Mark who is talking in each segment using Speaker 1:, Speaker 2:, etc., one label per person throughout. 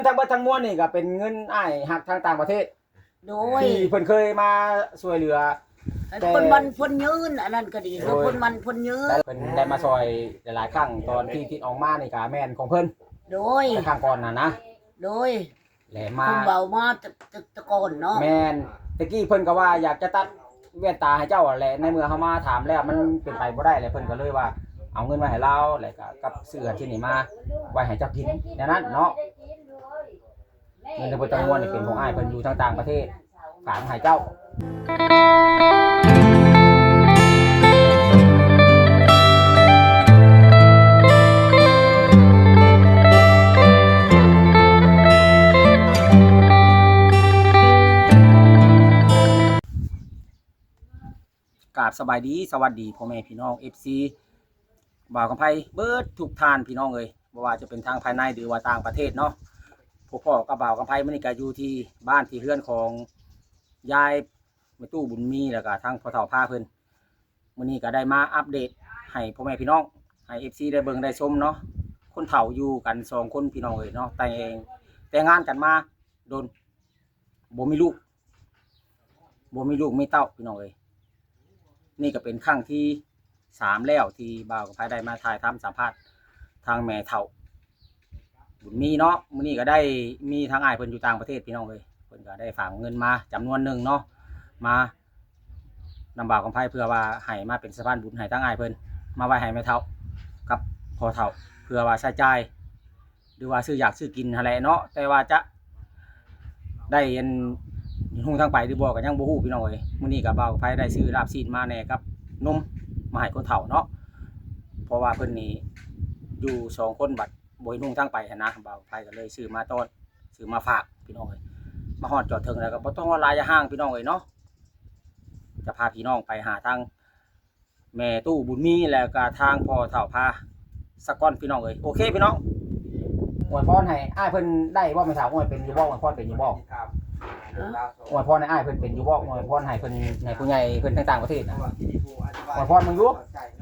Speaker 1: ทั้งเบิดทั้งมวลนี่ก็เป็นเงินอ้ายหักทางต่างประเทศ
Speaker 2: โดย
Speaker 1: ที่เพิ่นเคยมาช่วยเหลือ
Speaker 2: คนมันคนยืนอันนั้นก็ดีแล้วคนมันคนยืน
Speaker 1: เพิ่นได้มาช่วยหลายๆครั้งตอนที่ติดออกมานี่ก็แม่นของเพิ่น
Speaker 2: โดย
Speaker 1: ครั้งก่อนน่ะนะ
Speaker 2: โดย
Speaker 1: แหละมา
Speaker 2: คุณเบามาตะโกนเนาะ
Speaker 1: แม่นตะกี้เพิ่นก็ว่าอยากจะตัดแว่นตาให้เจ้าแหละในเมื่อเฮามาถามแล้วมันเป็นไปบ่ได้แล้วเพิ่นก็เลยว่าเอาเงินมาให้เราแล้วก็กับเสื้อที่นี่มาไว้ให้เจ้ากินดังนั้นเนาะเงินทั้งหมดทั้งมวลนี่เป็นของอ้ายเพิ่นอยู่ทางต่างประเทศฝากให้เจ้ากราบสบายดีสวัสดีพ่อแม่พี่น้อง FC บ่าวกำไพเบิดทุกท่านพี่น้องเอ้ยบ่ว่าจะเป็นทางภายในหรือว่าต่างประเทศเนาะพวกพ่อกับบ่าวกำไพมื้อนี้ก็อยู่ที่บ้านที่เรือนของยายแม่ตู้บุญมีแล้วก็ทางพ่อเฒ่าพาเพิ่นมื้อนี้ก็ได้มาอัปเดตให้พ่อแม่พี่น้องให้ FC ได้เบิ่งได้ชมเนาะคนเฒ่าอยู่กัน2คนพี่น้องเอ้ยเนาะแต่งงานกันมาโดนบ่มีลูกมีเต้าพี่น้องเอ้ยนี่ก็เป็นครั้งที่3แล้วที่บ่าวกับไผได้มาถ่ายทำสัมภาษณ์ทางแม่เฒ่าบุญมีเนาะมื้อนี้ก็ได้มีทางอ้ายเพิ่นอยู่ต่างประเทศพี่น้องเอ้ยเพิ่นก็ได้ฝากเงินมาจำนวนหนึ่งเนาะมานำบ่าวกับไผเพื่อว่าให้มาเป็นสะพานบุญให้ทางอ้ายเพิ่นมาไว้ให้แม่เฒ่ากับพ่อเฒ่าเพื่อว่าใช้จ่ายหรือว่าซื้ออยากซื้อกินหั่นแหละเนาะแต่ว่าจะได้เห็นฮู้ทางไปหรือบ่ก็ยังบ่ฮู้พี่น้องเอ้ยมื้อนี้ก็บ่าวกับไผได้ซื้อลาบซีนมาแหน่กับนมมาให้คนเฒ่าเนาะเพราะว่าเพิ่นนี่อยู่2คนบัดบ่เห็นฮู้ทางไปหันนะบ่าวกับไผก็เลยซื้อมาต้อนซื้อมาฝากพี่น้องเอ้ยมาฮอดจอดถึงแล้วก็บ่ต้องว่าหลายห้างพี่น้องเอ้ยเนาะจะพาพี่น้องไปหาทางแม่ตู้บุญมีแล้วก็ทางพ่อเฒ่าพาสักก้อนพี่น้องเอ้ยโอเคพี่น้องอวยพรให้อ้ายเพิ่นได้บ่แม่เฒ่าอวยเป็นอยู่บ่อวยพรเป็นอยู่บ่อวยพรให้อ้ายเพิ่นเป็นอยู่บ่อวยพรให้เพิ่นให้ผู้ใหญ่เพิ่นต่างๆประเทศนะอวยพรมึงอยู่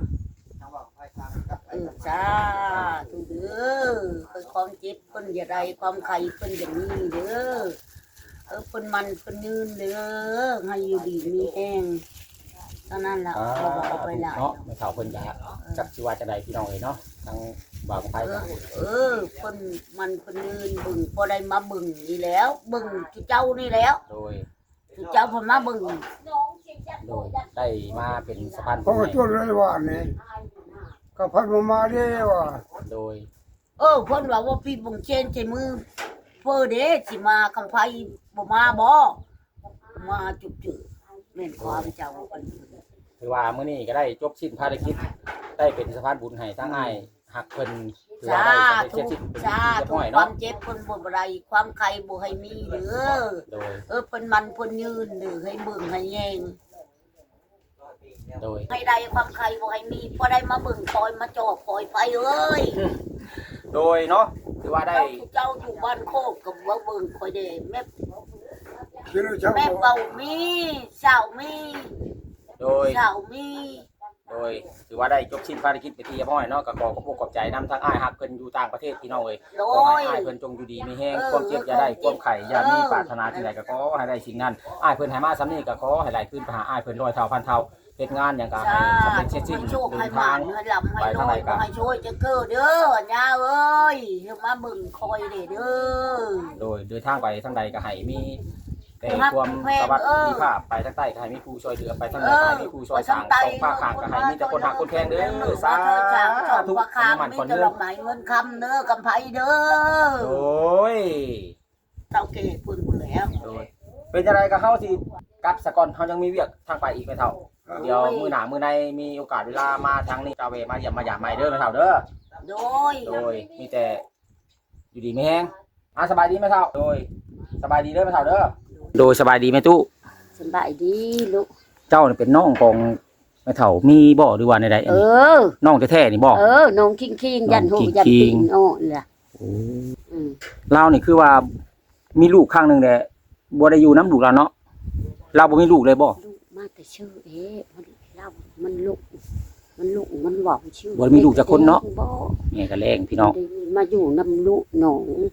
Speaker 2: จ้าทุกเด้อคือความเจ็บเพิ่นอย่าได้ความไข้เพิ่นอย่างนี้เด้อเพิ่นมันเพิ่นยืนเด้อให้อยู่ดีมีแห้งเท่านั้นล่ะบ่บอกไปหลาย
Speaker 1: เนาะแม่เฒ่าเพิ่นก็จักสิว่าจะได้พี่น้องเอ้ยเนาะทางบ่าวของไผ
Speaker 2: เพิ่นมันเพิ่นยืนบึงพอได้มาบึงนี่แล้วบึงที่เจ้านี่แล้ว
Speaker 1: โดย
Speaker 2: ที่เจ้าเพิ่นมาบึง
Speaker 1: โดยได้มาเป็นสะพาน
Speaker 3: เขาก็ช่วยเลยว่านี่ก็พัดมาได้ว่า
Speaker 1: โดย
Speaker 2: เพิ่นว่าพี่บุงเชนใช้มือเพิ่นเด้สิมาคำไผบ่มาบ่มาจุบจือแม่นความเจ้าเพิ่น
Speaker 1: ถือว่ามื้อนี้ก็ได้จบสิ้นภารกิจได้เป็นสะพานบุญให้ทางอ้ายฮักเพิ่นถือว่าได้สำเร็จเสร็จสิ้นเป็นที่เรียบร้อย
Speaker 2: ค
Speaker 1: เนาะ
Speaker 2: วามเจ็บเพิ่นบ่ได้ความไข้บ่ให้มีเด้อ
Speaker 1: โดย
Speaker 2: เพิ่นมันเพิ่นยืนเด้อให้เบิ่งให้แยง
Speaker 1: โดย
Speaker 2: ให้ได้ความไข้บ่ให้มีพอได้มาเบิ่งคอยมาจอบคอยไปเอ้ย
Speaker 1: โดยเนาะถือว่าได้
Speaker 2: เจ้าอยู่บ้านโคกกับว่าเบิ่งคอยเด้แม่
Speaker 3: แม่
Speaker 2: เบามีสาวมี
Speaker 1: โดย
Speaker 2: สาวมี
Speaker 1: โดยถือว่าได้จบสิ้นภารกิจไปที่เรียบร้อยเนาะก็ขอขอบใจนำทางอ้ายฮักเพิ่นอยู่ต่างประเทศพี่น้องเอ้ยขอให้อ้ายเพิ่นจงอยู่ดีมีแฮงความเจ็บอย่าได้ความไข้อย่ามีปรารถนาสิ่งใดก็ขอให้ได้สิ่งนั้นอ้ายเพิ่นให้มาซ้ำนี้ก็ขอให้ไหลขึ้นไปหาอ้ายเพิ่น100 เท่าพันเท่าเฮ็ดงานหยังก็ให้สำเร็จเสร็จสิ้นเดินทาง
Speaker 2: ไปทางใดก็ให้ช่วยจะเกิดเด้อย่าเอ้ยเฮ็ดมาเบิ่งคอยเด้อ
Speaker 1: โดยเดินทางไปทางใดก็ให้มีแต่ความสวัสดิภาพไปทางใต้ก็ให้มีผู้ช่วยเหลือไปทางเหนือก็ให้มีผู้ช่วยสร้างสองภาคข้างก็ให้มีแต่คนหักคนแพงเด้อสาธุ
Speaker 2: มันคนเด้อหมายเงินคำเด้อกำไผเด้อ
Speaker 1: โอ้ย
Speaker 2: เจ้าเก๋พุ่นแล้ว
Speaker 1: โดยเป็นจังไดก็เฮาสิกลับซะก่อนเฮายังมีเวียกทางไปอีกไม่เท่าเดี๋ยวมื้อหน้ามื้อในมีโอกาสเวลามาทางนี้กาเวมาเยี่ยมมาหยามใหม่เด้อไม่เท่าเด้อ
Speaker 2: โด
Speaker 1: ยมีแต่อยู่ดีมีแฮงสบายดีไม่เท่าโดยสบายดีเด้อไม่เท่าเด้อโดยสบายดีไหมตู้
Speaker 2: สบายดีลูก
Speaker 1: เจ้าเป็นน้องของแม่เฒ่ามีบ่หรือว่าใดๆน้องแท้ๆนี่บ่
Speaker 2: น้องคิงยันหูยันปิงล่ะ
Speaker 1: เรานี่คือว่ามีลูกข้างนึงแต่บ่ได้อยู่น้ำลูกเราเนาะเราบ่มีลูกเลยบ่
Speaker 2: มาแต่ชื่อมันลูกมันบอกชื่อ
Speaker 1: บ่มีลูกจักคนเนาะแม่ก็แรงพี่น้อง
Speaker 2: มาอยู่น้ำลูกน้อง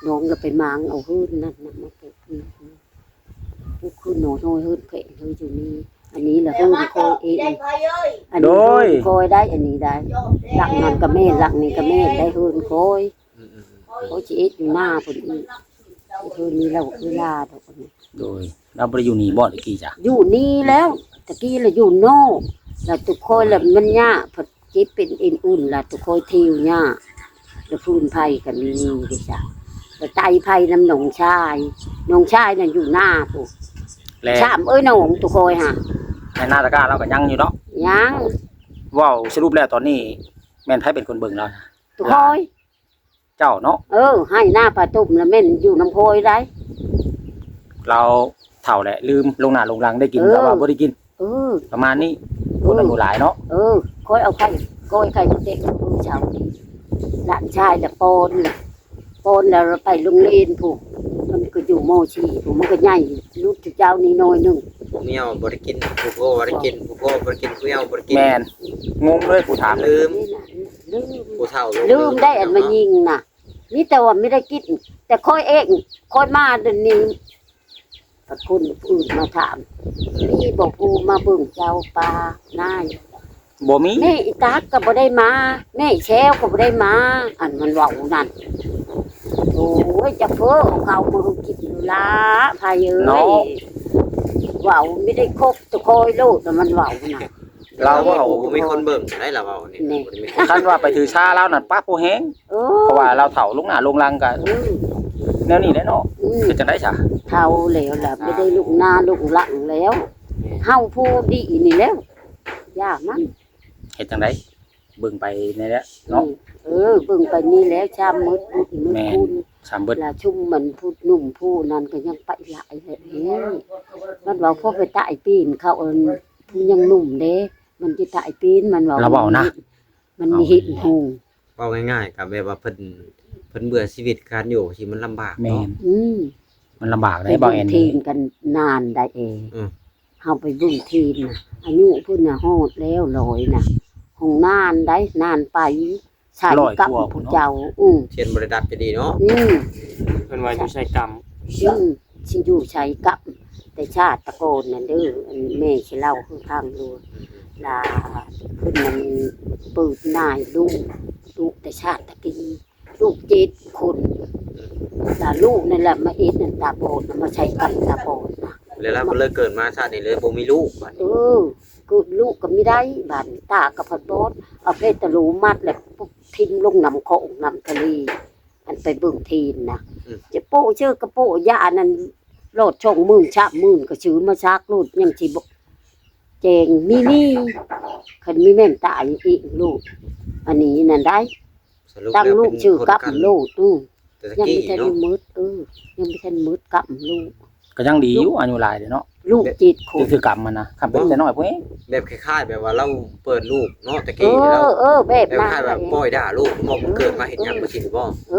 Speaker 2: น้องก็ไปมางเอาหื้นนั่นน่ะมาปลูกนี่ปลูกคือหนอนน้อยหื้นเพะหื้นอยู่นี่อันนี้แหละหื้นคอยเองอันนี้หื้นคอยได้อันนี้ได้หลักนั่นก็แม่หลักนี่ก็แม่ได้หื้นคอยเขาจะเอ็ดอยู่หน้าพุ่นอีกหื้นนี้เราเวลาดอกนี่
Speaker 1: โดยเราบ่ได้อยู่นี่บ่ตะกี้จ้ะ
Speaker 2: อยู่นี่แล้วตะกี้เราอยู่โน่แล้วทุกคนแล้วมันยากพอเจ็บเป็นเอ็นอุ่นแล้วทุกคนทิวยากแล้วพื้นไผ่กันนี่ดิจ้ะแล้วไตไผ่น้ำหนองชายนั่นอยู่หน้าปุ๊บ
Speaker 1: และ
Speaker 2: ชามเอ้ยหนองทุกคนฮะ
Speaker 1: ในหน้าตะกร้าเราก็ยังอยู่เนาะ
Speaker 2: ยัง
Speaker 1: เว้าสรุปแล้วตอนนี้แม่นไผเป็นคนเบิ่งเรา
Speaker 2: ทุกคน
Speaker 1: เจ้าเนาะ
Speaker 2: ให้หน้าปลาตุ่มแล้วแม่นอยู่น้ำโพยได้
Speaker 1: เราเฒ่าแหละลืมลงหน้าลงหลังได้กิน
Speaker 2: เออ
Speaker 1: แต่ว่าบ่ได้กิน
Speaker 2: เออ
Speaker 1: ประมาณนี้คนอายุหลายเนาะ
Speaker 2: คอยเอาไข่ก้อยไข่เด็กผู้ชาวนี่หลานชายแต่ปนแล้วเราไปโรงเรียนผูกมันก็อยู่โมชีผูกมันก็ใหญ่ลูกเจ้านี่น้อยหนึง
Speaker 4: ผู้เมียวบ่ได้กินผู้พ่อบ่ได้กินผู้พ่อบ่ได้กินผู้เมียวบ่ได้กิน
Speaker 1: แม่นงงเลยผู้ถาม
Speaker 4: ลืม
Speaker 2: นี่น่ะลืม
Speaker 4: ผู้เฒ่า
Speaker 2: ลืมได้อันมายิงน่ะนี่แต่ว่าไม่ได้กินแต่ค่อยเองค่อยมาเดี๋ยวนี้พระคุณอื่นมาถามนี่บอกกูมาเบิ่งเจ้าปลานาย
Speaker 1: บ่มี
Speaker 2: แม่อีตากก็บ่ได้มาแม่แชวก็บ่ได้มา อันมันเว้านั่นโอ้ยจะเพ้อเอาเขามากินอยู่ละพายเอ้ยเว้าไม่ได้ครบตุกคอยโลดแต่มันเว้าน่ะ
Speaker 1: เรา
Speaker 4: เรา
Speaker 1: เว้า
Speaker 4: บ่มีคนเบิ่งได้ล่ะเว้านี่
Speaker 2: นี่
Speaker 4: บ่ได้มีคน
Speaker 1: คันว่าไปถือชาเรานั่นป้าผู้แฮง
Speaker 2: เอ
Speaker 1: เพราะว่าเราเฒ่าลงหน้าลงหลังก็
Speaker 2: อืม
Speaker 1: แนวนี้แหละเนาะ
Speaker 2: อืม
Speaker 1: คือจังได๋ซะ
Speaker 2: เท่าแล้วล่ะไม่ได้ลูกหน้าลูกหลังแล้วเฮาผู้ดีนี่แล้วย่ามัน
Speaker 1: เฮ็ดจังได๋เบิ่งไปนี่แหละเนาะ
Speaker 2: เบิ่งไปนี่แล้วชามมืดมืด
Speaker 1: แม่น
Speaker 2: คุณ
Speaker 1: สามเบิด
Speaker 2: ลาชุ่มมันพูดหนุ่มผู้นั้นก็ยังไปหลายเลยเฮ้ยมันว่าพ่อไปตายปีนเขาผู้ยังหนุ่มเด้มันจะตายปีนมันว่า
Speaker 1: เราเว้านะ
Speaker 2: มันหินหู
Speaker 4: เว้าง่ายๆก็แบบว่าเพิ่นเบื่อชีวิตการอยู่ที่มันลำบาก
Speaker 1: แม่
Speaker 4: เนาะ
Speaker 1: นมันลำบาก
Speaker 2: ไป
Speaker 1: ได้บ่
Speaker 2: เบิ่ง
Speaker 1: แอน
Speaker 2: ที
Speaker 1: นี่
Speaker 2: มกันนานได้เอง
Speaker 4: อืม
Speaker 2: เฮาไปเบิ่งทีมน่ะอายุเพิ่นน่ะฮอดแล้ว100น่ะของนานได้นานไปใช่กับผู้เจ้า
Speaker 4: เช่นบ่ได้ดัดจะดีเนาะ
Speaker 2: อืม
Speaker 1: เพิ่นว่าอยู่ใช้กรรม
Speaker 2: ชิอยู่ใช้กับแต่ชาติตะโกนนั่นเด้ออันแม่สิเล่าคือพังดูลาขึ้นมันเปิดนายลูกแต่ชาติตะกี้ลูก7 คนลาลูกนั่นแหละมาเอ็ดนั่นตาโบดน่ะมาใช้กับตาโบดน่ะ
Speaker 4: แล้วเราก็เลยเกิดมาชาตินี้เลยบ่มีลูกบัดนี้
Speaker 2: กูลูกก็ไม่ได้บานตากับพัดโบดเอาเพชรตะลูมัดแล้วปุ๊บทิ้งลงน้ำโขงน้ำทะเลอันไปเบิ่งทีนนะจะโป้ชื่อกระโป้ยานั่นโลดช่องมื่นชะมื่นก็ชื่อมาชักลูดยังสิบแจงนี่คันมีแม่นตายอีกลูกอันนี้นั่นได้
Speaker 4: สรุป
Speaker 2: ตั้ง
Speaker 4: แล้ว
Speaker 2: ลูก
Speaker 4: เป็น
Speaker 2: ชื่อ
Speaker 4: คน
Speaker 2: กับ
Speaker 4: กัน
Speaker 2: ลูก
Speaker 4: แต่ตะ
Speaker 2: ยัง
Speaker 4: กี้
Speaker 2: ไม่ทัน
Speaker 4: เนาะ
Speaker 2: มืดยังไม่ทันมืดกับลูก
Speaker 1: ก็ยังดีอยู่อายุหลายเด้เนาะ
Speaker 2: ลูก7 คน
Speaker 1: คือกรรมมันนะคำเป็นแต่น้อยพวกนี้
Speaker 4: แบบคล้ายๆแบบว่าเราเปิดลูกเนาะตะกี้แล้ว
Speaker 2: แบบ
Speaker 4: แบบ
Speaker 2: นั้น
Speaker 4: คล้ายแบบปล่อยด่าลูกบอกเกิดมาเห็นหยังบ่สิบ่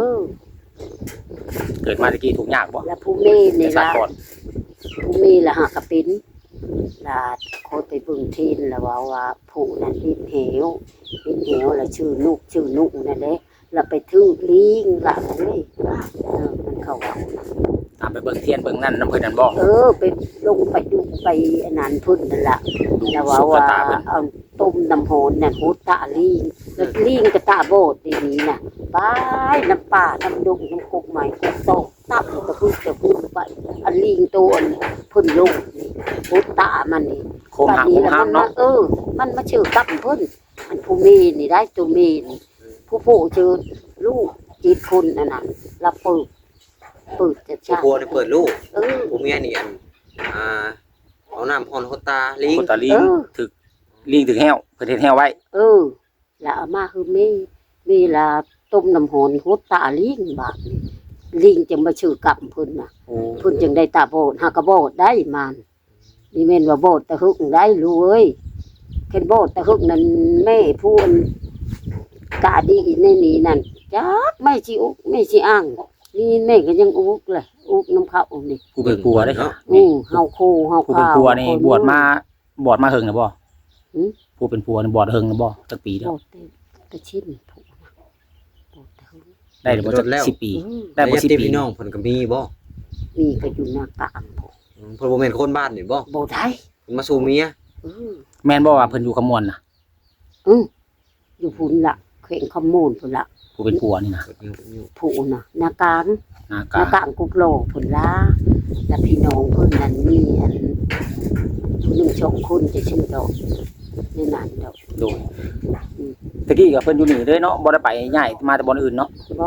Speaker 1: เกิดมาตะกี้ถูกยากบ่
Speaker 2: แล้วผู้แม่นี่
Speaker 1: ชา
Speaker 2: ล่ะ
Speaker 1: ติก่อน
Speaker 2: ผู้มีละหากระปินลาโคตรไปเบึงทีนแล้วว่าผู้นั้นปินเหวแล้วชื่อนุกนั่นแหละแล้วไปทื่อลิงละเอ้ยมันเข้าว่า
Speaker 1: ตามไปเบิ่งเทียนเบิ่งนั่นน้ำเพิ่นนั่นบ่
Speaker 2: ไปลงไปดูไปอันนั้นพุ่นนั่นล่ะ
Speaker 1: ดู
Speaker 2: แล้ว
Speaker 1: สุข
Speaker 2: ว่า
Speaker 1: ตาเพิ่น
Speaker 2: เอาต้มน้ำโหนนั่นโหตาลิงแล้วลิงก็ตาโบดดีนี้น่ะไปน้ำป่าน้ำดงน้ำกกใหม่กกโตตับตะพึ่งไปอันลิงตัวพุ่นลงนี่โหตามันนี่
Speaker 1: โคมหักโคมห้ามเนาะ
Speaker 2: มันมาชื่อกับเพิ่นอันผู้มีนี่ได้ตัวมีนี่ผู้ชื่อลูก7 คนนั่นน่ะแล้วเปิดจะ
Speaker 4: ผู้
Speaker 2: ชา
Speaker 4: ผัวนี่เปิดลูก
Speaker 2: เออ
Speaker 4: ผู้เมียนี่เอาน้ำพรโคตาลิง
Speaker 1: คนตาลิงถึกลิงถึกแห้วเพิ่นเฮ็ดแห้วไว้
Speaker 2: แล้วเอามาคือมีละต้มน้ำหอนโหตาลิงบาดนี่ลิงจึงมาชื่อกับเพิ่นน่ะ
Speaker 1: โอ้
Speaker 2: เพิ่นจึงได้ตาโบดหากะโบดได้มันนี่แม่นว่าโบดตะฮึกได้รู้เอ้ยเพิ่นโบดตะฮึกนั่นแม่พูนกะดีในนี้นั่นจักไม่สิอุกไม่สิอ้างนี่แม่ก็ยังอุกเลยอุกน้ำเขานี่
Speaker 1: ผู้เป็นผัวได้ค่ะ
Speaker 2: เฮาคู่เฮา
Speaker 1: ผู้เป็น
Speaker 2: ข้าว
Speaker 1: ผัวนี่บวชมาเฮิงน่ะบ่
Speaker 2: หือ
Speaker 1: ผู้เป็นผัวนี่บวชเฮิงน่ะบ่จักปี
Speaker 2: โบ
Speaker 1: แล้ว
Speaker 2: ดแต่ชิ้นถูกนะโบดตะฮึก
Speaker 1: ได้บ่จัก10 ปีได้บ่
Speaker 4: ญาติ
Speaker 1: 10 ปี
Speaker 4: พี่น้องเพิ่นก็มีบ่
Speaker 2: มีก็อยู่หน้ากลางพอ
Speaker 4: เพิ่นบ่แม่นคนบ้านนี่บ่
Speaker 2: บ่ได้
Speaker 4: เพิ่นมาสู่เมีย
Speaker 2: อือ
Speaker 1: แม่นบ่ว่าเพิ่นอยู่ขมวนน่ะ
Speaker 2: อยู่พุ่นละเข่งขมูลพุ่นละ
Speaker 1: ผู้เป็นผัวนี่นะ
Speaker 2: ผู้น่ะหน้ากลาง
Speaker 1: นาก
Speaker 2: หน้า
Speaker 1: า
Speaker 2: กลางกุกโลพุ่นละแล้วพี่น้องเพิ่นนั่นมีอันผู้หนึ่งสองคนจะชื่อดอกในนั้นดอก
Speaker 1: โดยตะกี้ก็เพิ่นอยู่นี่เลยเนาะบ่ได้ไปย้ายมาแต่บ่อนอื่นเนาะ
Speaker 2: บ่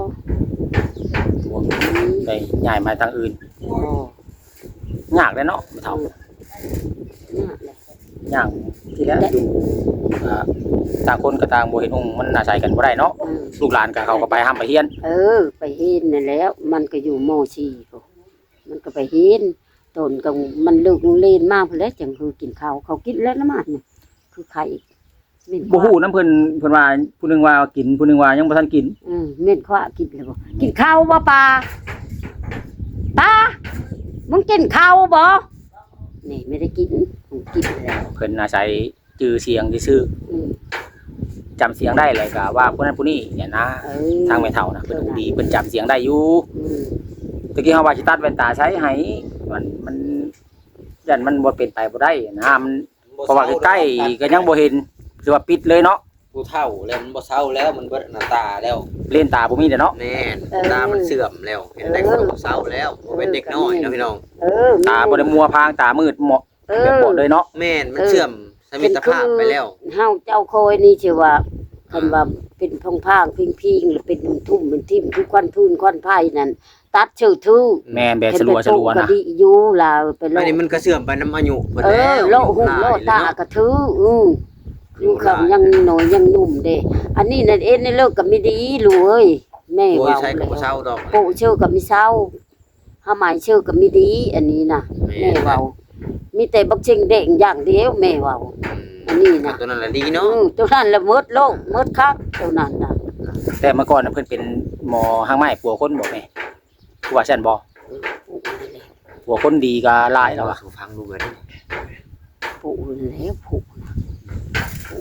Speaker 1: ไปย้ายมาทางอื่น
Speaker 2: บ่
Speaker 1: ยากเลยเนาะไม่เท่า
Speaker 2: น่ะแหละ
Speaker 1: ยากที่แล้วอยู่ต่างคนก็ต่างบ่เห็นองค์มันน่าใส่กันบ่ได้เนาะลูกหลานก็เขาก็ไปห้ามไปเฮียน
Speaker 2: ไปเห็นนั่นแล้ว มันก็อยู่ม .4 พุ่นมันก็ไปเห็นตนก็มันเลิกโรงเรียนมาพุ่นแล้วจังคือกินข้าวเขากินแล้วนะมันคือไข่เม่น
Speaker 1: บ่ฮู้นำเพิ่นว่าผู้หนึงว่ากินผู้หนึงว่ายังบ่ทันกิน
Speaker 2: เม่นขวากินแล้วบ่กินข้าวบ่ปลาตามึงกินข้าวบ่นี่ไม่ได้กินมึงกินแล้ว
Speaker 1: เพิ่นอาศัยจื่อเสียงซื่อ
Speaker 2: อืม
Speaker 1: จำเสียงได้เลยก็ว่าผู้นั้นผู้นี้เนี่ยนะทางแม่เฒ่านะเพิ่นหูดีเพิ่นจำเสียงได้อยู่
Speaker 2: อืม
Speaker 1: ตะกี้เฮาว่าสิตัดแว่นตาใช้ให้มันยันมันบ่เป็นไปบ่ได้นะมันเพราะว่าใกล้ๆก็ยังบ่เห็นคือว่าปิดเลยเนาะ
Speaker 4: ผู้เฒ่าแล้วมันบ่เฒ่าแล้วมันเบิดหน้าตาแล้ว
Speaker 1: เลนตาบ่มีเด้อเนาะ
Speaker 4: แม่นตามันเสื่อมแล้วเห็นได้คนบ่เฒ่าแล้วบ่เป็นเด็กน้อยเนาะพี่น้อง
Speaker 1: ตาบ่ได้มัวพางตามืดหมดแบบหมดเลยเนาะ
Speaker 4: แม่นมันเสื่อมสมิตรภาพไปแล้ว
Speaker 2: เฮาเจ้าโคยนี่ชื่อว่าคันว่าเป็นพางๆพิงๆหรือเป็นทุ่มเป็นทิ่มคือควันพื้นควันไผ่นั่นตัดชื่อทื่อ
Speaker 1: แม่นแบบสลัวๆ
Speaker 2: ก็
Speaker 1: นะ
Speaker 2: ดีอยู่ลาวไปโล
Speaker 4: อันนี้มันก็เสื่อมไปน้ำอายุเพิ่น
Speaker 2: เอ
Speaker 4: แล้ว
Speaker 2: อโลหูโลตากระทืออยู่คำยังหน่อยยังหนุ่มเด้อันนี้นั่นเองในเลิกกับไม่ดีลูกเอ้ยแม่
Speaker 4: โอ้ย
Speaker 2: ว่า
Speaker 4: ใช้กับบ่เฒ่าดอก
Speaker 2: ปู่ชื่อกับไม่เศร้าหาหมายชื่อกับไม่ดี อันนี้น่ะแม่เว้ามีแต่บักเชิงเด้งอย่างเดียวแม่เว้าอันนี้น่ะ
Speaker 4: ตัวนั้นแหละดีเนาะ
Speaker 2: ตัวนั้นละหมดโลกหมดคักตัวนั้นน่ะ
Speaker 1: แต่เมื่อก่อนน่ะเพิ่นเป็นหมอหางไม้ปัวคนบ่แม่ปัวซั่นบ่ปัวคนดีก็หลายแล้วอ่ะ
Speaker 4: สู่ฟังดูเบิด
Speaker 2: ปู่แล้วปู่น่ะปู่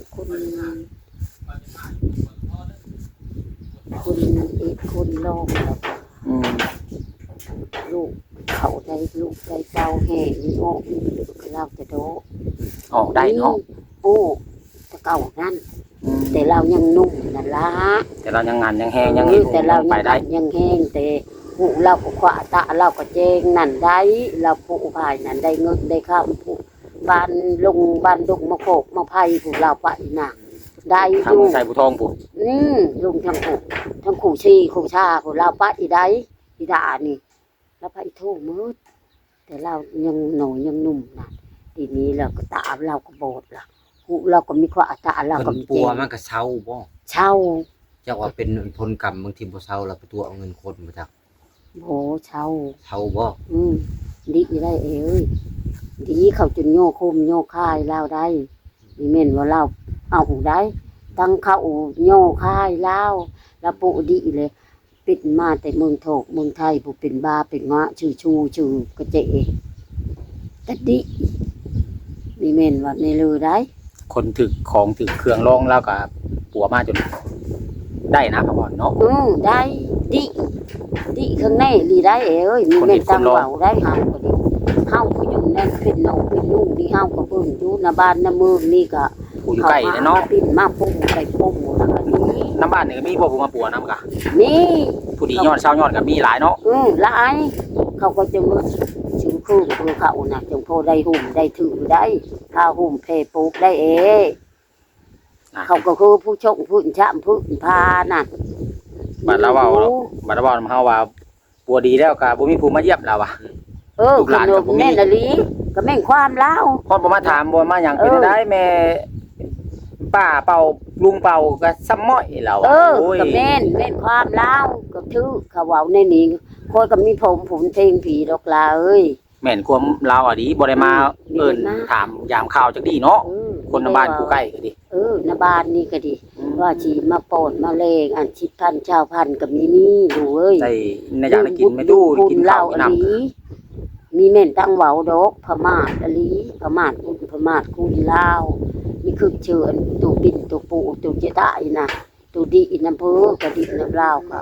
Speaker 2: คนคนลองแล้วก็
Speaker 1: อืม
Speaker 2: ลูกเขาได้ลูกได้เต้าแห่นี่ออกนี่ก็เล่าแต่โด
Speaker 1: ออกได้เนาะ
Speaker 2: ปู่แต่เก่านั่น
Speaker 1: อืม
Speaker 2: แต่เรายังนุ่มนั่นล่ะ
Speaker 1: แต่เรายังงานยังแฮงยังเฮ็ด
Speaker 2: แต่เรา
Speaker 1: ไปได้
Speaker 2: ยังแห้งแต่ผู้เราก็ขวาตาเราก็เจงนั่นได้เราผู้ภายนั่นได้เงินได้ข้าวผู้บ้านลงบ้านดงมาโขกมาไผ่ผู้เราไปน่ะได้อ
Speaker 1: ทาง
Speaker 2: ยู่
Speaker 1: ใส่ผู้ทองผู้
Speaker 2: ลุงทั้งผู้ทั้งขู่ชีขู่ชาผู้เราไปอีได้อีดานี่แล้วไปโทษมืดแต่เรายังหน่อยยังหนุ่มน่ะทีนี้เราก็ตาเราก็โบดล่ะหูเราก็มีขวาตาเราก็
Speaker 4: เพิ่น
Speaker 2: มี
Speaker 4: ปั
Speaker 2: เจ
Speaker 4: ว
Speaker 2: ง
Speaker 4: มันก็เฒ่าบ่
Speaker 2: เช่า
Speaker 4: เจ้าว่าเป็นผลกรรมบางทีบ่เฒ่าแล้วไปตัวเอาเงินคนมาจาก
Speaker 2: โหเช่า
Speaker 4: เฒ่าบ่
Speaker 2: ดีได้เอ้ยดีเขาจนโยคมโยค่ายเล่าได้นี่เม่นว่าเล่าเอาได้ตั้งเขาโยค่ายเล่าแล้วปุดีเลยปิดมาแต่เมืองโถกเมืองไทยผู้เป็นบาเป็นงะชื่อชูชื่อกระเจแต่ดีนี่เม่นว่าในลือได้
Speaker 1: คนถึกของถึกเครื่องรองแล้วก็ปัวมาจนได้นะพ่อบ่เนาะ
Speaker 2: ได้ดีข้างในดีได้เอ้ยนี่เม่นตั้งเบาได้เฮาก็ดีเฮาก็อยู่นั่นเป็นน้องเป็นลูกนี่เฮาก็เบิ่งอยู่หน้าบ้านหน้าเมืองนี่ก็
Speaker 1: ผู้อยู่ใกล้เนาะ
Speaker 2: ปิ่นมาปุ่มไปปุ่มแล้วก็นี่
Speaker 1: น้ำบ้านนี่ก็มีพวกผู้มาปัวนํกะ
Speaker 2: นี่
Speaker 1: ผู้ดียอดเช้ายอดก็มีหลายเนาะ
Speaker 2: หลายเขาก็จะมาชื่อคือเขาน่ะจงโพได้หุ่มได้ถือได้ถ้าหุ่มเพปลูกได้เอเขาก็คือผู้ชงผู้ชามผู้พาน่ะ
Speaker 1: บัดเราเว้าบัดเราเว้านำเฮาว่าปัวดีแล้วก็บ่มีผู้มาเยี่ยมเราอ่ะ ลูกหลานก็บ่มี
Speaker 2: แม่นอลีก็แม่นความลาว
Speaker 1: คนบ่มาถามบ่มาหยังเป็นได้แม่ป้าเป่าลุงเป่าก็ซ้ำม้อยเราอะโอ้ย
Speaker 2: ก็แม่นความลาวก็ถือเขาเว้าในนี้คนก็มีผมเพลงผีดอกลาเอ้ย
Speaker 1: แม่นความเราอ่ะดีบ่ได้มาเอิ้นถามยามข่าวจักดีเนาะคนในบ้านผู้ใกล้ก็ดี
Speaker 2: ในบ้านนี่ก็ดี ว่าชีมาโปนมาเลงอันชิดพันชาวพันกับมีนี่ดูเอ้ย
Speaker 1: ได้ในอยากได้กินไม่ตู้กินข้าวกินน้ำ
Speaker 2: มีเม่นตั้งเว้าดอกพม่าอลีพม่าคุณพม่าคุณลาวนี่คือเชิญตัวปิ่นตัวปูตัวเจตายนะตัวดีน้ำเพ้อก็ดีน้ำลาวก็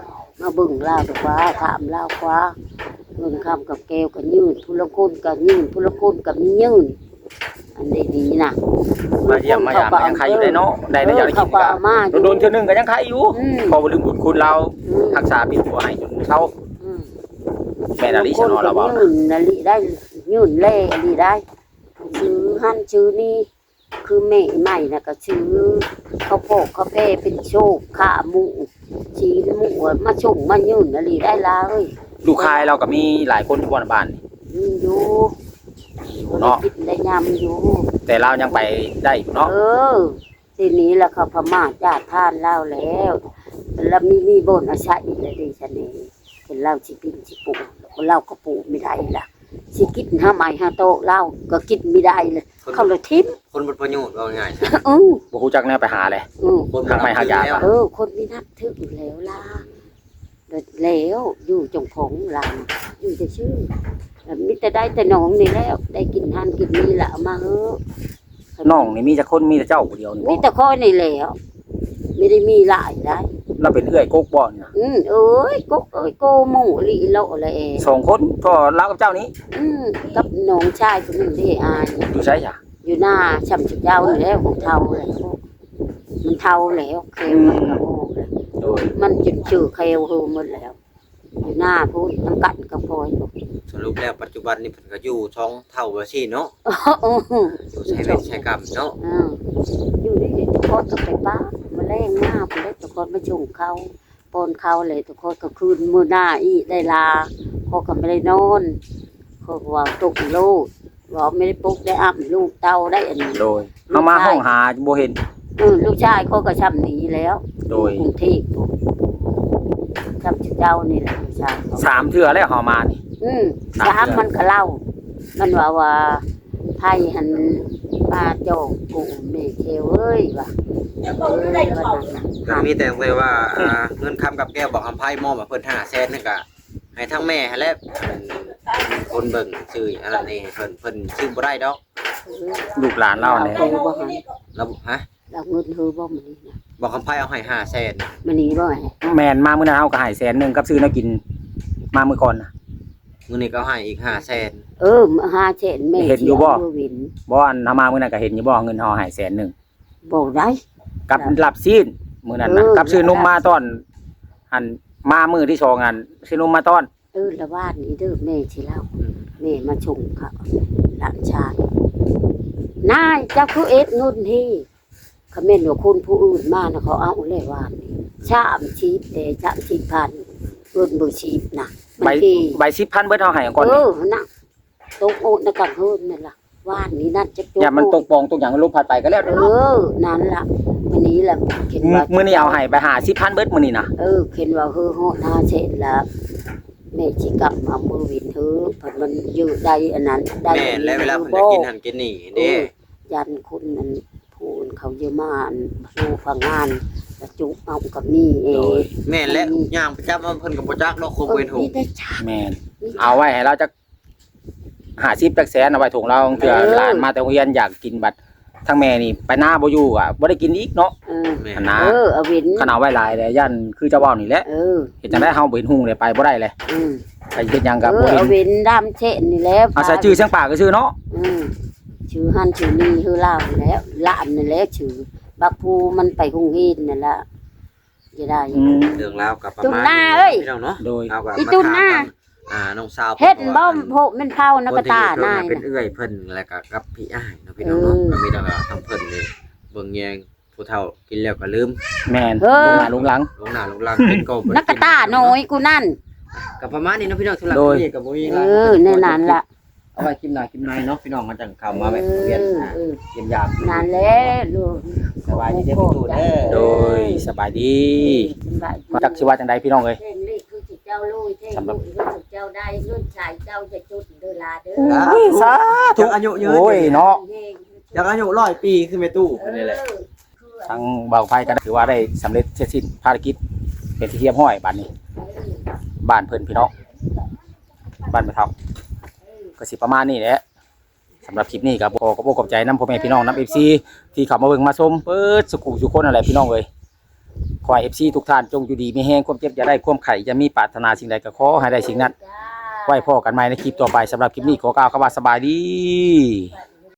Speaker 2: มาเบิ่งลาวดีกว่าถามลาวกว่าเงินคำกับแก้วกับยืนผู้ละคนกับยืนผู้ละคนกับมียืนอันนี้ดีนะ
Speaker 1: มาเยี่ยมมายามยังใครอยู่ได้เนาะได้ได้อยากได้กินก็โดนเทื่อนึงก็ยังใครอยู่พอบ่ลืมบุญคุณเรารักษาปิดหัวให้จนเฒ่าแม่นอลิชนอเราบ่
Speaker 2: ยืนอลิได้ยืนเล่อลิได้ชื่อหันชื่อนี่คือแม่ใหม่น่ะก็ชื่อข้าวโพดข้าวแป้เป็นโชคขาหมูชีนหมูมาชงมายืนอลิได้ลาเอ้ย
Speaker 1: ลูกชายเราก็มีหลายคนอยู่บ้านนี่
Speaker 2: อยู่
Speaker 1: เนาะ
Speaker 2: กินได้ยำอยู่
Speaker 1: แต่เรายังไปได้อยู่เนาะ
Speaker 2: ทีนี้ละเขาพม่าญาติท่านเล่าแล้วแล้วมีบ่นอาชาอีกแล้วดิฉันนี่เห็นเล่าสิปินสิปูเล่าก็ปูไม่ได้ล่ะสิกินห้าไม้ห้าโตเล่าก็กินไม่ได้เลยเขาเลยทิม
Speaker 4: คนบ่ประโยชน์ว่าง่ายๆ
Speaker 1: บ่ฮู้จักแนวไปหาเลย
Speaker 4: คนบ่หายา
Speaker 2: คนมีนับถืออยู่แล้วล่ะแล้วอยู่จงผงลาอยู่จะชื่อมิแต่ได้แต่น้องนี่แล้วได้กินทานกินนี่แหละมาเฮ้อ
Speaker 1: น้องนี่มีแต่คนมีแต่เจ้าผู้เดียวนี่
Speaker 2: มีแต่ข้อนี่แล้วไม่ได้มีหลายได้
Speaker 1: เราเป็นเอื้อยกกบ่นี่นะ
Speaker 2: เอ้ยกุ๊กเอ้ยโกหมูลีโลอะไร
Speaker 1: สองคนพอเรากับเจ้านี้
Speaker 2: กับน้องชายคนหนึ่งที่อาย
Speaker 1: อยู่ใช่จ้ะ
Speaker 2: อยู่หน้าช่ำชุดยาวนี่แล้วของเทาเลยมันเทาแล้วเคลมันกระโอกเลย
Speaker 1: โดย
Speaker 2: มันจุดชื่อเคลหูหมดแล้ว อยู่หน้าพูดน้ำกัดกระพอย
Speaker 4: สรุปแล้วปัจจุบันนี่เพิ่นก็อยู่ท้องเท่าว่าซี่เนาะอยู่ใช้เวทใช้กรรมเนาะ
Speaker 2: อยู่นี่ทุกคนก็ไปป้ามาแรงหน้าไปเลยทุกคนมาชงเขาปนเขาเลยทุกคนก็คืนมือหน้าอีได้ลาเขาก็ไม่ได้นอนเขาว่าตกลูกว่าไม่ได้ปลุกได้อ้ำลูกเต้าได้อันนี้
Speaker 1: โดยเฮามาห้องหาบ่เห็น
Speaker 2: ลูกชายเขาก็ช้ำหนีแล้ว
Speaker 1: โดย
Speaker 2: กรุงเทพช้ำเจ้านี่แหละลูกชายเขา
Speaker 1: 3เทื่อแล้วเฮามานี่
Speaker 2: สามมันก็เล่า มันว่าไทยหันปลาโจกกูเมเคเว้ยว่ะ
Speaker 4: ก็มีแต่ว่าเงินคำกับแก้วบอกคำไพ่มอบมาเพิ่น500,000นั่นก็ให้ทั้งแม่และคนเบิ่งชื่ออันนั้นนี่เพิ่นชื่อบ่ได้ดอก
Speaker 1: ลูกหลานเราเนี่ย
Speaker 4: แล้วฮะ
Speaker 2: เราเงินเธอบ่มันนี่นะ
Speaker 4: บอกคำไพ่เอาให้500,000
Speaker 2: มันนี่บ่ไง
Speaker 1: แม่นมามื้อนั้นเฮาก็ให้100,000กับซื้อแนวกินมามื้อก่อนน่ะ
Speaker 4: มื้อนี้ก็ให้อีก500,000
Speaker 2: มาหาเช่นแม่
Speaker 1: เห็นอยู่บ่
Speaker 2: วิน
Speaker 1: บ่อันเฮามามื้อนั้นก็เห็นอยู่บ่เงินเฮาให้100,000
Speaker 2: บ่ได้
Speaker 1: กับหลับซีนมื้อนั้นนะกับซื้อนมมาตอนอันมามื้อที่2อันซื้อนมมาตอน
Speaker 2: ละวาดนี้เด้อแม่สิเล่าแม่มาชงเขาหลานชายนายเจ้าคือเอ็ดนุ่นที่เขาแม่นว่าคนผู้อื่นมานะเขาเอาเลยวาดนี่ชามชีพแต่ชามชีพพันเงินบ่ชีพนะ
Speaker 1: ใบ10,000เบิดเฮาให้ก่อนนี่
Speaker 2: น่ะตกโอดนะกันเฮินนั่นล่ะวาดนี้นั่นจะโจ
Speaker 1: อย่ามันตกปองตกหยังลมพัดไปก็แล้ว
Speaker 2: นั่นล่ะวันนี้ล่ะเห็นว่า
Speaker 1: มื้อนี้เอาให้ไป50,000เบิดมื้อนี้นะ
Speaker 2: เห็นว่าฮอดหาเสร็จแล้วแม่สิกลับมามือวินเธอเพิ่นมันอยู่ได้อันนั้นได้
Speaker 4: แม่และเวลาเพิ่นจะกินหันกินนี่เด้
Speaker 2: ยันคนนั้นพูนเขาเยอะมากดูฟังงานแล้วจุกเอากับนี่เอง
Speaker 4: แม่และย่างประจำเพิ่นก็บ่จักดอกคงเว้นหู
Speaker 2: นี่ได้ชา
Speaker 1: แม่นเอาไว้ให้เราจัก50จักแสนเอาไว้ถุงเราเผื่อหลานมาแต่โรงเรียนอยากกินบัดทั้งแม่นี่ไปหน้าบ่อยู่อ่ะบ่ได้กินอีกเนาะ
Speaker 4: แม่
Speaker 1: อันนะ
Speaker 2: เอาวิน
Speaker 1: ขนาดไว้หลายเลยยันคือเจ้าเว้านี่แหละเฮ็ดจังได๋เฮาบ่เห็นหุ่งเลยไปบ่ได้เลยไปเฮ็ดหยังก็บ่เห็
Speaker 2: เอา
Speaker 1: น
Speaker 2: วินดำเช่นนี่แล้ว
Speaker 1: อาศัยชื่อเสียงปากก็ชื่อเนาะ
Speaker 2: ชื่อหันชื่อนี่คือเล่าแล้วละอันนั่นแหละชื่อบักภูมันไปคงเฮ็ดนั่นล่ะจะได้
Speaker 4: เรื่องราวกับประ
Speaker 2: จุ
Speaker 4: มาณ
Speaker 2: หน้าเอ้ย
Speaker 4: พี่น้องเนาะ
Speaker 1: โดย
Speaker 4: เอากับ
Speaker 2: อีจุหน้า
Speaker 4: น้องสาว
Speaker 2: เฮ็ดบ่โพมันเผานักตานาย
Speaker 4: เป็นเอื้อยเพิ่นแล้วก็กับพี่อ้ายเนาะพี่น้องเนาะก็มีแต่ว่าทั้งเพิ่นนี่เบิ่งแยงผู้เฒ่ากินแล้วก็ลืม
Speaker 1: แม่นลงหน้าลงหลัง
Speaker 4: ลงหน้าลงหลังเป็นก็
Speaker 2: นักตาน้อยกูนั่น
Speaker 4: ก็ประมาณนี้เนาะพี่น้องสำหรับนี่ก็บ่มี
Speaker 2: ในนั้นล่ะ
Speaker 4: เอาไว้กินหน้ากินในเนาะพี่น้องมาจังเข้ามาแบบเรียนเยี่ยมยาม
Speaker 2: นั่นแหละลูก
Speaker 4: สบายดีเด้อพี่ตู่เด้อ
Speaker 1: โดยสบายดีจักสิว่าจังได๋พี่น้องเอ้ย
Speaker 2: เท่งนี่คือเจ้าลุยเท่งลุยคือเจ้าได้เงินชายเจ้าจะจุดเด้อลาเด้อ
Speaker 1: สาธุ
Speaker 4: อายุยืน
Speaker 1: โอ้ยเนาะ
Speaker 4: อยากอายุ100ปีคือแม่ตู้นี่แหละ
Speaker 1: ทางเบาไฟก็ถือว่าได้สำเร็จเสร็จสิ้นภารกิจเป็นที่เรียบร้อยบัดนี้บ้านเพิ่นพี่น้องบ้านแม่เฒ่าก็สิประมาณนี้แหละสำหรับคลิปนี้ก็บ่ก็บ่ขอบใจนำพ่อแม่พี่น้องนำ FC ที่เข้ามาเบิ่งมาชมเปิดสุขุสุคนอะไรพี่น้องเอ้ยขอให้ FC ทุกท่านจงอยู่ดีมีแห้งความเจ็บอย่าได้ความไข่จะมีปรารถนาสิ่งใดก็ขอให้ได้สิ่งนั้นไว้พอกันใหม่ในคลิปต่อไปสำหรับคลิปนี้ขอกล่าวคำว่าสบายดี